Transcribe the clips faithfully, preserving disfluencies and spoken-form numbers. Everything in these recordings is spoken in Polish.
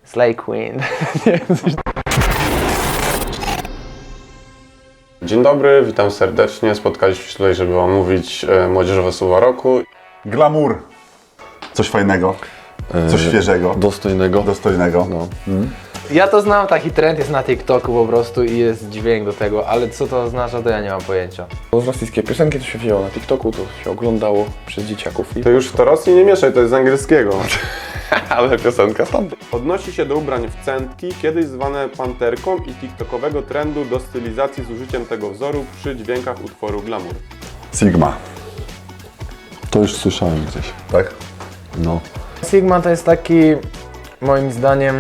Slay Queen. Dzień dobry, witam serdecznie. Spotkaliśmy się tutaj, żeby omówić e, młodzieżowe słowa roku. Glamour. Coś fajnego, coś świeżego, Dostojnego. dostojnego. No. Mm. Ja to znam, taki trend jest na TikToku po prostu i jest dźwięk do tego, ale co to oznacza, to ja nie mam pojęcia. Z rosyjskie piosenki to się wzięło na TikToku, to się oglądało przez dzieciaków. I... To już w to Rosji nie mieszaj, to jest z angielskiego. Ale piosenka tam. Odnosi się do ubrań w centki, kiedyś zwane panterką i tiktokowego trendu do stylizacji z użyciem tego wzoru przy dźwiękach utworu Glamour. Sigma, To już słyszałem gdzieś. tak? No. Sigma to jest taki, moim zdaniem,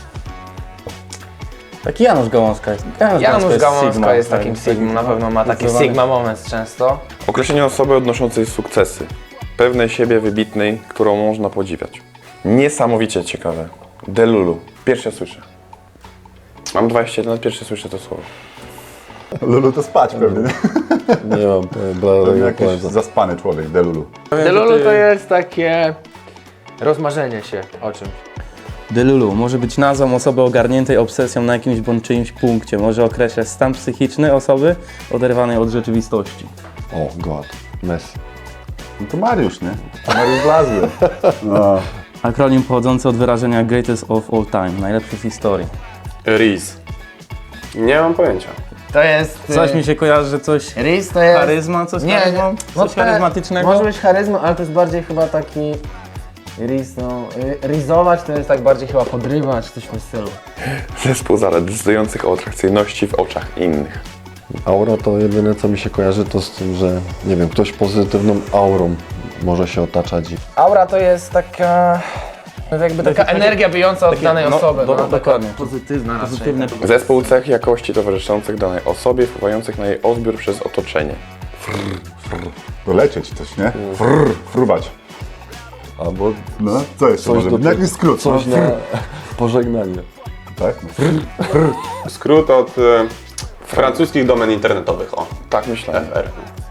Taki Janusz Gałązka jest. Janusz, Janusz Gałązka Sigma, jest tak, takim tak, Sigmą, na pewno ma taki zdecydowany. Sigma moment często. Określenie osoby odnoszącej sukcesy, pewnej siebie wybitnej, którą można podziwiać. Niesamowicie ciekawe. Delulu. Pierwsze słyszę. Mam dwadzieścia jeden lat, pierwsze słyszę to słowo. Lulu to spać pewnie, nie? Nie mam Pewnie bladego jakiś pojęcia. zaspany człowiek, Delulu. Delulu to jest takie rozmarzenie się o czymś. Delulu może być nazwą osoby ogarniętej obsesją na jakimś bądź czyimś punkcie. Może określać stan psychiczny osoby oderwanej od rzeczywistości. O, God. Messi. No to Mariusz, nie? To Mariusz Blazły. No. Akronim pochodzący od wyrażenia greatest of all time, najlepszy w historii. Riz. Nie mam pojęcia. To jest... Coś mi się kojarzy, że coś... Riz to jest... Charyzma, coś Nie, charyzmą? nie. Coś te- charyzmatycznego? Może być charyzma, ale to jest bardziej chyba taki... Riz, no... y, Rizować to jest tak bardziej chyba podrywać, coś w tym stylu. Zespół zalet decydujących o atrakcyjności w oczach innych. Aura to jedyne co mi się kojarzy to z tym, że nie wiem, ktoś pozytywną aurą może się otaczać i Aura to jest taka... jakby taka energia bijąca od danej no, osoby. do- no, dokładnie. taka pozytywna raczej. Pozytywne. Zespół cech jakości towarzyszących danej osobie, wpływających na jej odbiór przez otoczenie. Dolecieć coś, nie? Frrr, frubać. albo No, co jeszcze coś może do być? Jakiś skrót. coś no. na pożegnanie. Tak? Skrót od e, francuskich domen internetowych. O, Tak myślałem. F R.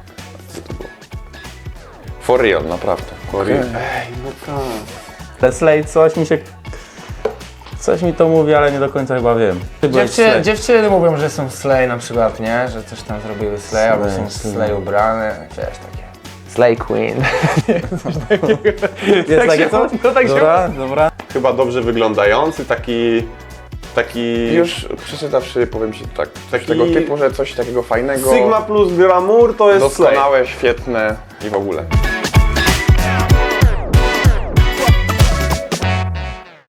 For real, naprawdę. For real. Te Slay coś mi się... Coś mi to mówi, ale nie do końca chyba wiem. Ty byłeś Dziewczyny, Slay. dziewczyny mówią, że są slay na przykład, nie? Że coś tam zrobiły slay, albo są Slay, slay ubrane, wiesz, takie. Slay queen. Jest takie coś? No tak się... Dobra, dobra. Chyba dobrze wyglądający, taki... Taki... Już przeczytawszy, powiem Ci tak, coś Taki- tego typu, że coś takiego fajnego, Sigma plus glamour to jest slay. doskonałe, świetne i w ogóle.